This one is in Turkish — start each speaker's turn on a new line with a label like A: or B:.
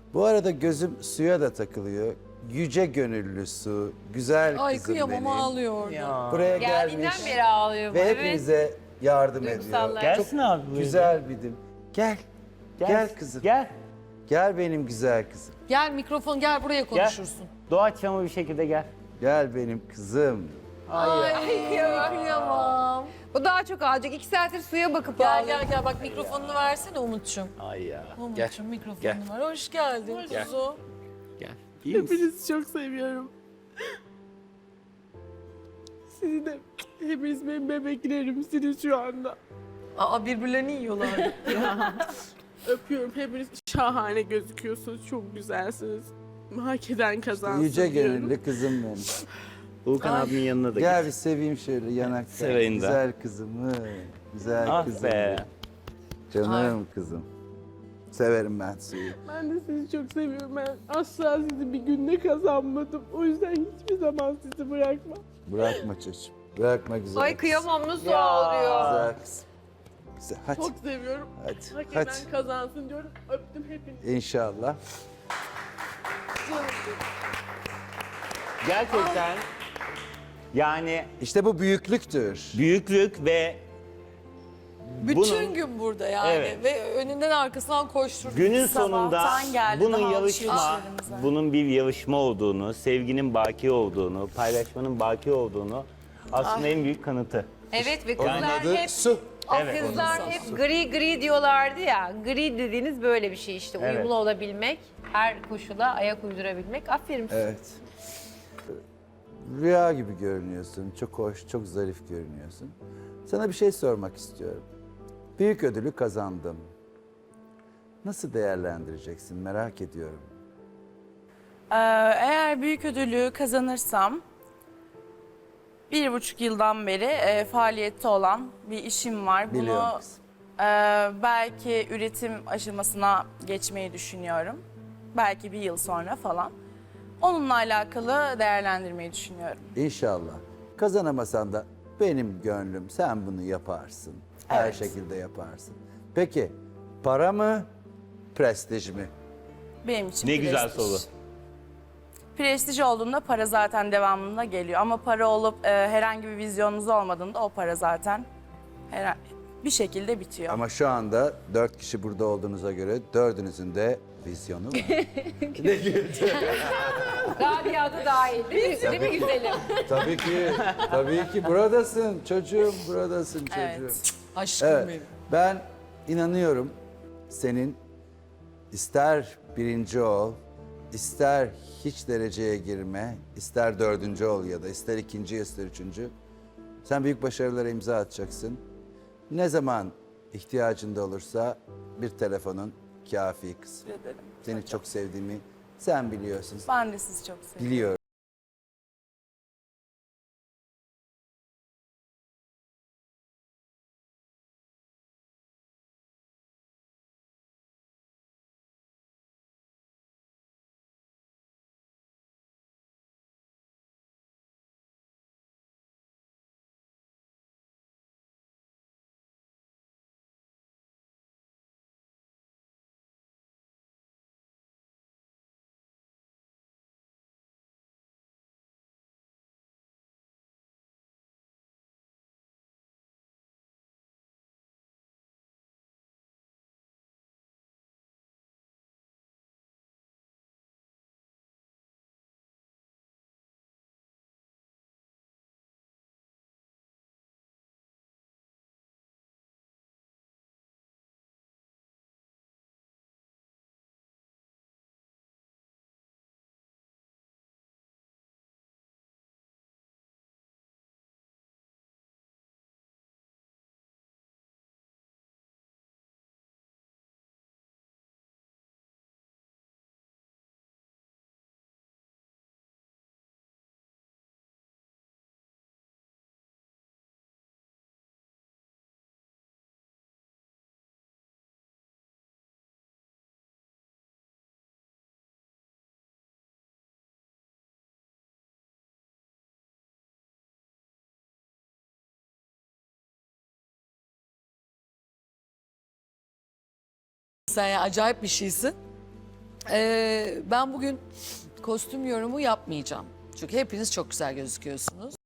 A: Bu arada gözüm suya da takılıyor. Yüce gönüllü su, güzel
B: Ay
A: kızım
B: kıyamam
A: benim.
B: ağlıyor orada.
A: Buraya
C: Geldiğinden
A: gelmiş
C: beri ağlıyor bu.
A: ve
C: Evet.
A: hepinize yardım ediyor.
C: Duygusallar.
D: Gelsin abi buraya.
A: Güzel bidim. Gel. Gel kızım.
D: Gel.
A: Gel benim güzel kızım.
B: Gel mikrofon gel buraya konuşursun.
D: Doğaçlama bir şekilde gel.
A: Gel benim kızım.
B: Ay kıyamam.
C: Bu daha çok ağlayacak. 2 saattir suya bakıp
B: Gel
C: ağlıyor.
B: gel gel bak mikrofonunu versene Umut'cum.
D: Ay ya.
B: Umut'cum mikrofonunu ver. Hoş geldin kuzu.
D: Gel. İyi misin?
E: Hepinizi çok seviyorum. Sizi de, hepiniz benim bebeklerimsiniz şu anda.
B: Aa birbirlerini yiyorlardı.
E: Öpüyorum, hepiniz şahane gözüküyorsunuz, çok güzelsiniz. Hak eden kazansın
A: Yüce
E: diyorum.
A: gönüllü kızım benim.
D: Volkan abimin yanına da
A: Gel
D: git.
A: bir seveyim şöyle yanaktan.
D: Seveyim de.
A: Güzel kızımı. Güzel
D: Ah
A: kızım.
D: be.
A: Canım kızım. Severim ben suyu.
E: Ben de sizi çok seviyorum. Ben asla sizi bir günde kazanmadım. O yüzden hiçbir zaman sizi bırakmam.
A: Bırakma çocuğum. Bırakma güzel
C: Ay
A: kızım.
C: kıyamam nasıl ağlıyor.
A: Güzel kızım. Güzel. Hadi.
E: Çok seviyorum.
A: Hadi.
E: Hak
A: Hadi.
E: eden kazansın diyorum. Öptüm hepinizi.
A: İnşallah.
D: Gerçekten yani
A: İşte bu büyüklüktür.
D: büyüklük ve
B: Bütün
D: Bunun-
B: gün burada yani
D: Evet.
B: ve önünden arkasından koşturdu.
D: günün sonunda
F: Sabahtan geldi,
D: bunun
F: daha
D: yarışma,
F: alışverişlerimize.
D: bunun bir yarışma olduğunu, sevginin baki olduğunu, paylaşmanın baki olduğunu aslında en büyük kanıtı.
C: Evet ve
A: Onun
C: kızlar
A: adı
C: hep
A: su.
D: Evet.
C: kızlar hep gri gri diyorlardı ya. Gri dediğiniz böyle bir şey işte.
D: Evet.
C: Uyumlu olabilmek, her koşula ayak uydurabilmek. Aferin.
A: Evet. Rüya gibi görünüyorsun. Çok hoş, çok zarif görünüyorsun. Sana bir şey sormak istiyorum. Büyük ödülü kazandım. Nasıl değerlendireceksin merak ediyorum.
F: Eğer büyük ödülü kazanırsam 1,5 yıldan beri faaliyette olan bir işim var.
A: Biliyorum
F: Bunu
A: kızım.
F: belki üretim aşamasına geçmeyi düşünüyorum. Belki bir yıl sonra falan. Onunla alakalı değerlendirmeyi düşünüyorum.
A: İnşallah. Kazanamasan da benim gönlüm sen bunu yaparsın. Her
F: Evet.
A: şekilde yaparsın. Peki para mı, prestij mi?
F: Benim için
D: Ne güzel
F: prestij.
D: soru.
F: Prestij olduğunda para zaten devamında geliyor. Ama para olup herhangi bir vizyonunuz olmadığında o para zaten bir şekilde bitiyor.
A: Ama şu anda 4 kişi burada olduğunuza göre dördünüzün de vizyonu var.
C: Rabia da dahil değil mi? Değil mi güzelim?
A: tabii ki buradasın çocuğum, buradasın çocuğum.
F: Evet.
B: Aşkım
A: Evet,
B: benim.
A: ben inanıyorum senin ister birinci ol, ister hiç dereceye girme, ister dördüncü ol ya da ister ikinci, ister üçüncü. Sen büyük başarılara imza atacaksın. Ne zaman ihtiyacında olursa bir telefonun kafi kızım.
F: Teşekkür ederim.
A: Seni çok sevdiğimi sen biliyorsun.
F: Ben de sizi çok seviyorum.
A: Biliyorum.
B: Sen ya acayip bir şeysin. Ben bugün kostüm yorumu yapmayacağım. Çünkü hepiniz çok güzel gözüküyorsunuz.